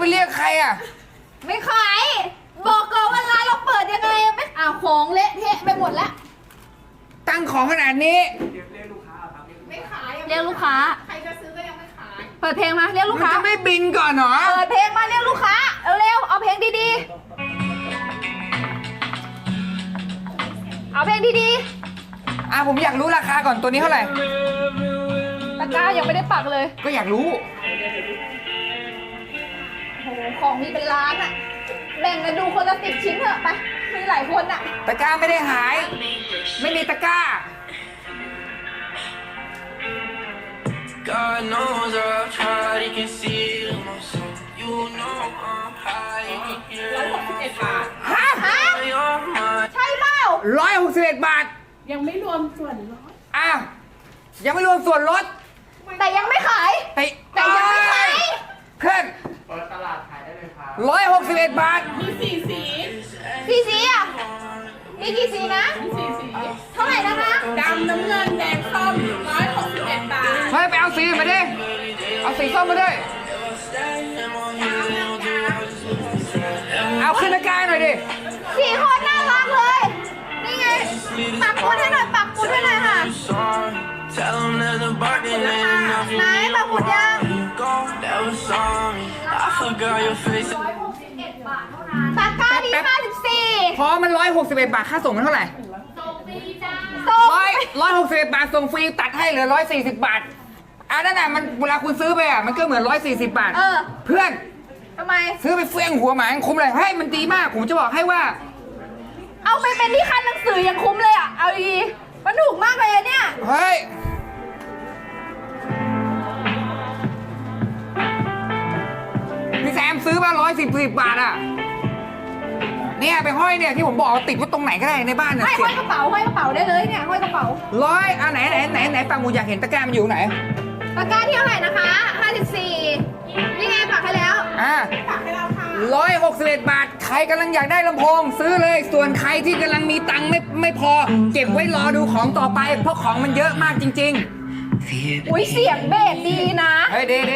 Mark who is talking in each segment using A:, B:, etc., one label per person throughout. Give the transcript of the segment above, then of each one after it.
A: เรียกใครอ่ะ
B: ไม่ขายบอกก่อนว่าร้านเราเปิดยังไงไม่ของเละเทะไปหมดแล้ว
A: ตั้งของขนาดนี้
B: ไม่ขายเรียกลูกค้าใครจะซื้อก็ยังไม่ขายเปิดเพลงมาเรียกลูก
A: มัน
B: ค้า
A: จะไม่บินก่อนเหรอ
B: เปิดเพลงมาเรียกลูกค้าเร็วๆเอาเพลงดีๆเอาเพลงดี
A: ผมอยากรู้ราคาก่อนตัวนี้เท่าไหร่
B: ๆตะกร้ายังไม่ได้ปักเลย
A: ก็อยากรู้
B: โอ้โหของมีเป็นล้านอะแบ่งกันดูคนละ10 ชิ้นเถอะไปมีหลายคนอะ
A: ตะกร้าไม่ได้หาย ไม่มีตะกร้า
C: God knows I've tried, you can see it in my soul. You know I'm high, you can hear it in my phone.
A: ฮะ
C: You're mine.
B: ใช่เปล่า
A: 161 บาท
D: ยังไม่รวมส่วนลด
A: ยังไม่รวมส่วนลด
B: แต่ยังไม่ขายแต่ยังไม่ขาย
A: เพื่อน
E: เปิดตลาดขายได้เลยครับ
A: 161 บาท
D: มี4 สี
B: สีอะมีกี่สีนะ
D: มี4 สี
B: เท่าไหร่นะคะ
D: ดำน้ำเงินแดงส้ม161 บาท
A: เฮ้ยไปเอาสีมาดิเอาสีส้มมาด้วยเอาขึ้นตะกร้าหน่อยดิ
B: สีโคตรน่ารักเลยนี่ไงปักหมุดให้หน่อยปักหมุดให้หน่อยค่ะ
C: Tell them that the bargain ain't enough.
B: ไหนปักหมุดยัง
C: That was sorry. I forgot your face.
B: ตะกร้าดี54
A: พอมัน161 บาทค่าส่งมันเท่าไหร่
B: ส่ง
A: 161 บาทส่งฟรีตัดให้เหลือ140 บาทนั่นน่ะมันเวลาคุณซื้อไปมันก็เหมือน140 บาทเพื่อน
B: ทำไม
A: ซื้อไปเฟื่องหัวหมาคุ้มเลยให้มันดีมากผมจะบอกให้ว่า
B: เอาไปเป็นที่คันหนังสือยังคุ้มเลยอ่ะเอาดีมันถูกมากเลยอะเนี่ย
A: เฮ้ยพี่แซมซื้อมา110 บาทอ่ะเนี่ยไปห้อยเนี่ยที่ผมบอกติดไว้ตรงไหนก็ได้ในบ้านเนี่ย
B: ห้อยกระเป๋าได้เลยเนี่ยห้อยกระเป๋า
A: ไหนปังหมูอยากเห็นตะกร้ามันอยู่ไหน
B: ตะกร้าที่เท่าไหร่นะคะ54นี่ไงปักให้แล้วปักให้เราค่ะ
A: 161 บาทใครกำลังอยากได้ลำโพงซื้อเลยส่วนใครที่กำลังมีตังค์ไม่พอเก็บไว้รอดูของต่อไปเพราะของมันเยอะมากจริง
B: ๆอุ้ยเสียงเบสดีนะ
A: เฮ้ยดี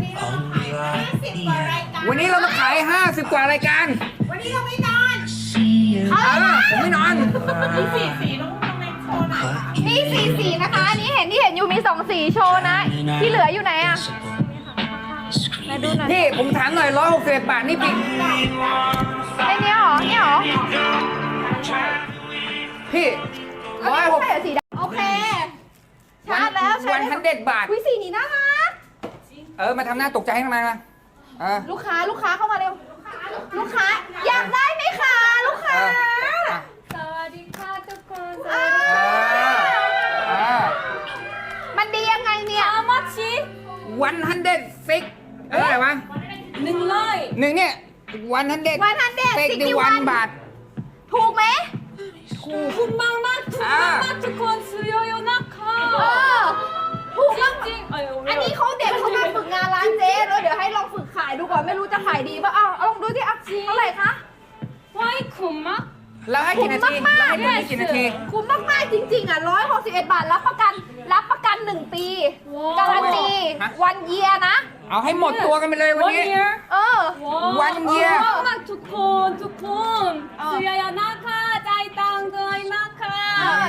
A: วันนี้เรามาขาย50 กว่ารายการ
B: วันนี้เราไม่นอน
A: ผมไม่นอน
D: มี4 สีต้องในโชว์หน่อย
B: มี4 สีนะคะอันนี้ที่เห็นอยู่มี2 สีโชว์นะที่เหลืออยู่ไหนอะมาดูหน่อย
A: พี่ผมถามหน่อย161 บาทนี่พี่
B: ไอ้นี่หรอพี่
A: 160
B: สีดำโอเคชาร์จแล้ว
A: 100 บาท
B: สีนี้น่ารัก
A: มาทำหน้าตกใจให้ทำไมมา
B: ลูกค้าเข้ามาเร็วลูกค้าอยากได้ไหมคะลูกค้าสวัสดีค่ะทุกคนมันดียังไงเนี่ย
D: how much
A: 100อะไรวะ1เนี่ย161 บาท
B: ถูกไหม
D: ถูกมากทุกคนซื้อเยอะๆนะคะ
B: ถูกมากจริงอันนี้เขาเด็กเขามาฝึกงานร้านเจ๊แล้วเดี๋ยวให้ลองฝึกขายดูก่อนไม่รู้จะขายดีป่ะเอาลองดูสิเท่าไหร่คะ
D: คุ้มมาก
A: แล้วให้กี่นาที
B: คุ้มมากๆจริงๆ161 บาทรับประกัน1 ปีการันตีวันเยียนะ
A: เอาให้หมดตัวกันไปเลยวันนี้วันเยีย
D: มากทุกคนซื้อเยอะๆนะคะจ่ายตังค์ด้วยนะคะ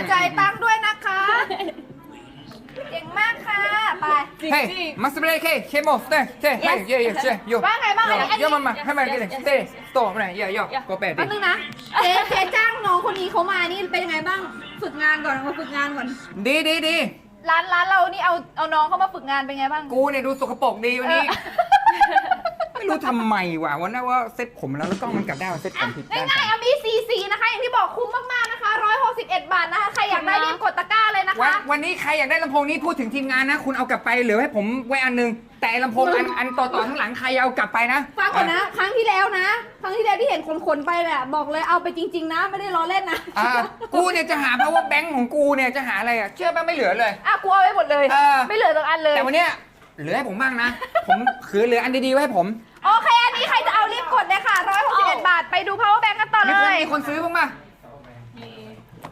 B: เก่งมากค่ะไป
A: เฮ้ยมาสเปรย์เคโมสเต้เฮ้ยเย
B: ว่าไงบ้าง
A: เยอะมาให้มันกินเต้โตมาไหนเยอะก็แปดดิ
B: นึงนะเจ๊จ้างน้องคนนี้เขามานี่เป็นยังไงบ้างฝึกงานก่อน
A: ดี
B: ร้านเรานี่เอาน้องเข้ามาฝึกงานเป็นไงบ้าง
A: กูเนี่ยดูสกปรกดีวันนี้ไม่รู้ทำไมว่ะวันนั้นว่าเซ็ตผมแล้วกล้องมันกลับได้ว่าเซ็ตผมผิด
B: ง่ายๆมี4 สีนะคะอย่างที่บอกคุ้มมากๆนะคะ161 บาทนะคะใครอยากได้รีบกดตะกร้าเลยนะคะ
A: วันนี้ใครอยากได้ลำโพงนี้พูดถึงทีมงานนะคุณเอากลับไปเหลือให้ผมไว้อันนึงแต่ลำโพงอันต่อทั้งหลังใครเอากลับไปนะ
B: ฟังก่อนนะครั้งที่แล้วที่เห็นคนไปแหละบอกเลยเอาไปจริงๆนะไม่ได้ล้อเล่นนะ
A: กูเนี่ยจะหาเพราะว่าแบงค์ของกูเนี่ยจะหาอะไรเชื่อป่ะไม่เหลือเลย
B: กูเอาไว้หมดเลยไม่เหลือสักอันเลย
A: แต่วันเนี้ยเหลือให้ผมบ้างนะผมคือเหลืออันดีๆไว้ให้ผม
B: โอเคอันนี้ใครจะเอารีบกดเลยค่ะ161 บาทไปดู power bank กันต่อเลย
A: มีคนซื้อบ้างป่ะ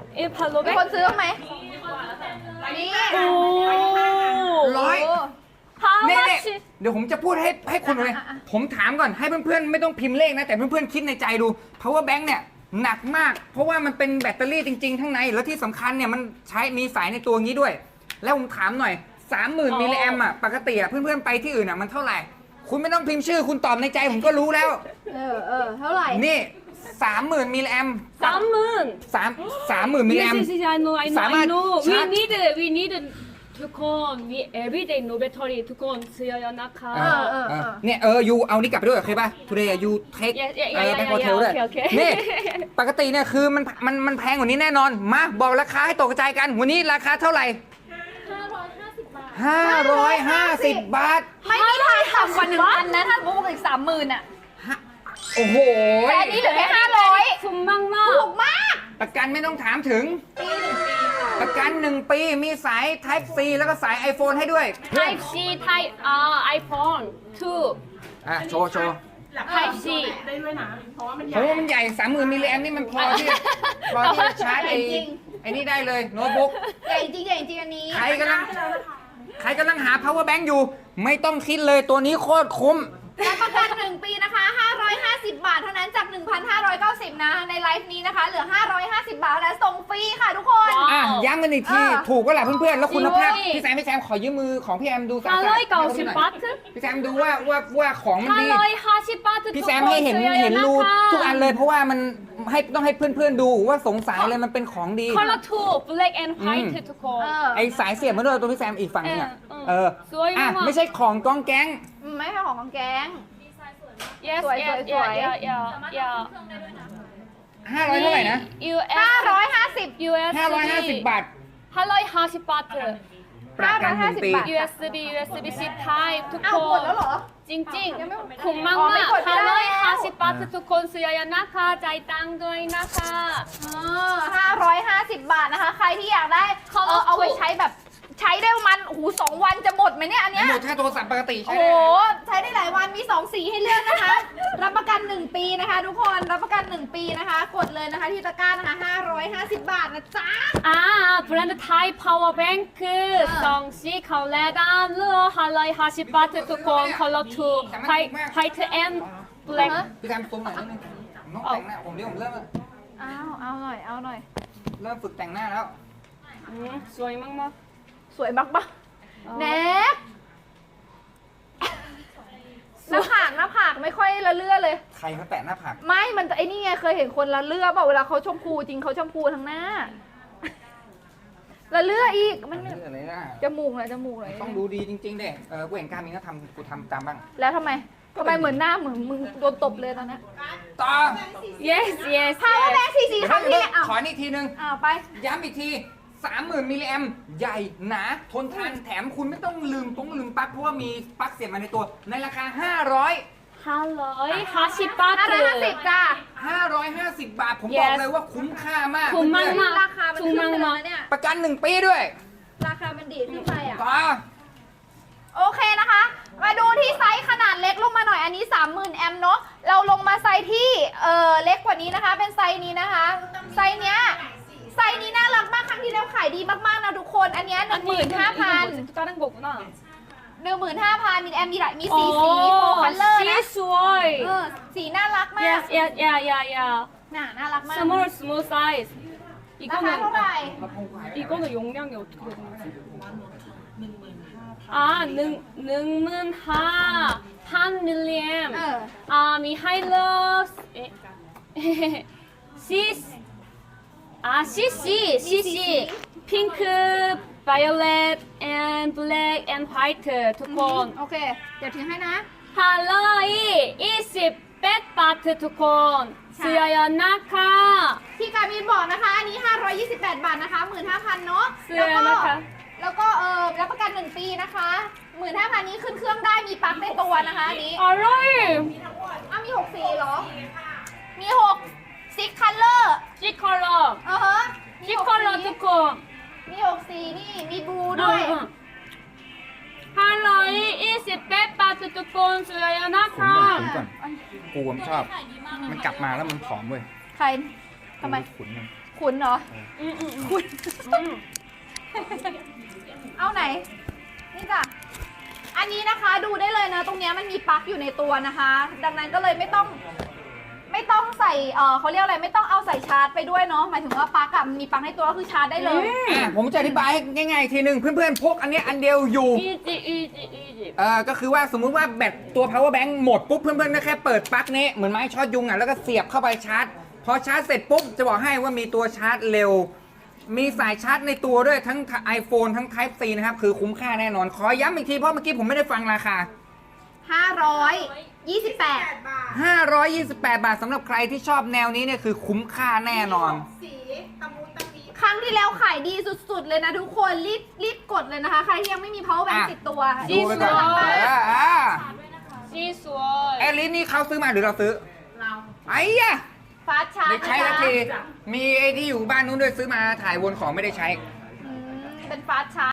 B: มีคนซื้อบ้างไหมนี่
D: How
A: เนี่ย
D: much?
A: เดี๋ยวผมจะพูดให้คุณเลย ผมถามก่อนให้เพื่อนๆไม่ต้องพิมพ์เลขนะ แต่เพื่อนๆคิดในใจดู power bank เนี่ยหนักมาก เพราะว่ามันเป็นแบตเตอรี่จริงๆข้างใน แล้วที่สำคัญเนี่ยมันใช้มีสายในตัวงี้ด้วย แล้วผมถามหน่อย 30,000 มิลลิแอมอ่ะปกติอ่ะเพื่อนๆไปที่อื่นอ่ะมันเท่าไหร่ คุณไม่ต้องพิมพ์ชื่อคุณตอบในใจผมก็รู้แล้ว
B: เท่าไหร่
A: นี่ 30,000 มิลลิแอม
D: 30,000.
A: 30,000 มิลลิแอ
D: Yes,
A: ม
D: yes, yes, I know, I know,
A: สามาร
D: I
A: ถ
D: know.
A: ชาร์จ
D: We needทุกคน we everyday no battery ทุกคนเสียนะคะ
A: เนี่ยยูเอานี่กลับไปด้วยโอเคป่ะ today you take back hotel ด้วย
D: โอเค
A: นี่ปกติเนี่ยคือมันแพงกว่านี้แน่นอน มาบอกราคาให้ตกกระจายกัน วันนี้ราคาเท่าไหร่ 550 บาท
B: ไม่มีทางต่ำกว่า 1,000 นะ ถ้าพูดอีก 30,000 อ่ะ
A: โอ้โห
B: แต่อันนี้เหลือแค่ 500
D: คุ้มมากมาก
B: ถูกมาก
A: ประกันไม่ต้องถามถึง ประกัน 1 ปีมีสาย Type C แล้วก็สาย iPhone ให้ด้วย
D: Type C Type iPhone 2
A: โชว์
D: Type C
A: เพราะว่ามันใหญ่ 30,000 มิลลิแอมนี่มันพอที่จะชาร์จไอ้นี่ได้เลยโน้ตบุ๊ก
B: ใหญ่จริงใหญ่จริงอันนี้
A: ใครกำลังหา power bank อยู่ ไม่ต้องคิดเลยตัวนี้โคตรคุ้ม
B: รับประกัน 1 ปีนะคะ 550 บาทเท่านั้นจาก 1,590 นะ ในไลฟ์นี้นะคะ เหลือ 550 บาทและส่งฟรีค่ะทุกคน
A: อ่ะย้ำกันอีกที ถูกก็แหละเพื่อนๆ แล้วคุณภาพ
D: จริง
A: พี่แซมขอยืมมือของพี่แอมดูสา
D: 590 บาท
A: พี่แซมดูว่าของมันดี
D: 550 บาท
A: พี่แซมให้เห็นรูทุกอันเลยเพราะว่ามันต้องให้เพื่อนๆดูว่าสงสัยเลยมันเป็นของดี
D: Color 2 Black and White ทุกคน
A: ไอสายเสียบมาด้วยตัวพี่แซมอีกฝั่งนึงอ่ะ
D: สวยมาก
A: ไม่ใช่ของกองแก๊ง
B: ไม่ใช่ของแก๊ง
D: Yes
B: สวย
D: yes
B: สวย
D: yeah
A: 500เท่าไหร่นะ
D: US
B: 550
D: US
A: 550 บาท
D: 550 บาท
A: ประกัน1 ปี
B: 550 บาท
D: USB C Type ทุก
B: อ้า
D: คว
B: หมด
D: น
B: แล้วเหรอ
D: จริง
B: ยังไม่หมด
D: ๆคุ้มมาก
B: อ๋อไม่
D: มาก
B: กดไม่ได้แล้ว
D: 550 บาททุกคนซื้อนะคะจ่ายตังค์ด้วยนะคะ
B: 550 บาทนะคะ ใครที่อยากได้เอาไว้ใช้แบบใช้ได้ประมาณ2 วันจะหมดไหมเนี่ยอันเนี้ย
A: หมดถ้าโทรศัพท์ปกติ
B: โอ้
A: ใช่
B: โห
A: ไหม
B: ใช้ได้หลายวันมี 2 สีให้เลือกนะคะ รับประกัน 1 ปีนะคะ ทุกคนรับประกัน 1 ปีนะคะ กดเลยนะคะที่ตะกร้านะคะ 550 บาทนะจ๊ะ
D: แบรนด์ไทย power bank 2สีเขาแลดามเลือ550 บาททุกคน color 2 white and black
A: พี่แซมซูมหน่อยนิดนึงผมต้องแต่งหน้าผมเริ่ม
B: เอาหน่อย
A: เริ่มฝึกแต่งหน้าแล้ว
D: สวยมาก
B: สวยมากปะแน็กหน้าผากไม่ค่อยละเลื่อเลย
A: ใครเขาแตะหน้าผาก
B: ไม่ มันไอ้นี่ไงเคยเห็นคนละเลื่อเปล่าเวลาเขาชมพูจริงเขาชมพูทั้งหน้า ละเลื่ออีก มัน
A: เรื่องอะไรนะ
B: จมูกเลย
A: ต้องดูดีจริงๆเด้กูเห็นการมินก็ทำกูทำตามบ้าง
B: แล้วทำไมเหมือนหน้าเหมือนมึงโดนตบเลยตอนนี้
A: ต่อ
D: ๆ yes yes
B: พาวเวอร์แบงค์สีครั้งที่เนี่ย
A: ขออีกทีนึง
B: ไป
A: ย้ำอีกที 30,000 มิลลิแอมใหญ่หนาทนทานแถมคุณไม่ต้องลืมปลั๊กเพราะว่ามีปลั๊กเสียบมาในตัว ในราคา
D: 550 บาท
B: 550จ้า
A: 550 บาท ผมบอกเลยว่าคุ้มค่ามาก
D: คุ้มมาก
A: เพื่อน
B: ราคามันขึ้นไปแล้วนะเนี่ย
A: ๆประกัน 1 ปีด้วย
B: ราคามันดีดขึ้นไปอ่ะ
A: ต่อ
B: โอเคนะคะ มาดูที่ไซส์ขนาดเล็กลงมาหน่อย อันนี้ 30,000 แอมป์เนาะ เราลงมาไซส์ที่เล็กกว่านี้นะคะ เป็นไซส์นี้นะคะ ไซส์เนี้ย ไซส์นี้น่ารักมากครั้งที่แล้วขายดีมากๆนะทุกคน อันเนี้ย 15,000
D: 다른 거구나
B: 15,000 มีแอมป์มีสีโฟคัลเลอร์นะ
D: สวย
B: สีน่ารักมาก
D: yes yes yeah
B: น่ารักมาก
D: small size
B: ราคาเท่าไหร่
D: 이거는 용량이 어떻게 되는 거지? 한 밀리엠. 미 하이러스. CC. 핑크, violet, and black and white. ทุกคน
B: โอเค เดี๋ยวถือให้นะ
D: 할로이 28바트 ทุกคน 쓰여요 나카.
B: ที่การมินบอกนะคะ อันนี้ 528 บาทนะคะ 15,000 เนาะ
D: เสื้อนะคะ
B: แล้วก็รับประกัน 1 ปีนะคะ 15,000 นี้ขึ้นเครื่องได้มีปลั๊กในตัวนะคะอันนี้
D: 어로이
B: มี6สีเหรอ มี6 6 color
D: G컬러
B: ฮะ
D: G컬러 ทุกคน
B: มี6สีนี่ มีบลูด้วย
D: 할로이 28바트 ทุกคน쓰여요
A: ผม
D: 나카.
A: ก่อนกูผมชอบ มันกลับมาแล้วมันผอมเว้ย
B: ใครทำไม
A: ขุนมัน
B: ขุนเหรอ ขุน เอาไหน นี่จ้ะอันนี้นะคะดูได้เลยนะตรงเนี้ยมันมีปลั๊กอยู่ในตัวนะคะ ดังนั้นก็เลยไม่ต้องใส่เขาเรียกอะไรไม่ต้องเอาใส่ชาร์จไปด้วยเนาะหมายถึงว่าปลั๊กอะมีปลั๊กในตัวก็คือชาร์จได้เลย
A: ผมจะอธิบายให้ง่ายๆอีกทีหนึ่งเพื่อนๆพกอันเนี้ยอันเดียวอยู่
D: easy
A: ก็คือว่าสมมุติว่าแบตตัว power bank หมดปุ๊บเพื่อนๆก็แค่เปิดปลั๊กนี้เหมือนไม้ช็อตยุงอ่ะแล้วก็เสียบเข้าไปชาร์จ พอชาร์จเสร็จปุ๊บจะบอกให้ว่ามีตัวชาร์จเร็ว มีสายชาร์จในตัวด้วยทั้ง iPhone ทั้ง Type C นะครับคือคุ้มค่าแน่นอน ขอย้ำอีกทีเพราะเมื่อกี้ผมไม่ได้ฟังราคา
B: 528
A: 528 บาทสำหรับใครที่ชอบแนวนี้เนี่ยคือคุ้มค่าแน่นอน
B: ครั้งที่แล้วขายดีสุดๆเลยนะทุกคนรีบกดเลยนะคะ ใครที่ยังไม่มี power bank
A: อ่ะ
B: ติดตัว
A: ดูไปก่อน
D: สวย
A: แอลลิสนี่เขาซื้อมาหรือเราซื้อ เราไอ้ยะ
B: ฟาสชาร์
A: ได้
B: จ
A: ใช้ทันทีมีไอ้ที่อยู่บ้านนู้นด้วยซื้อมาถ่ายวนของไม่ได้ใช้
B: เป็นฟาสชาร์จ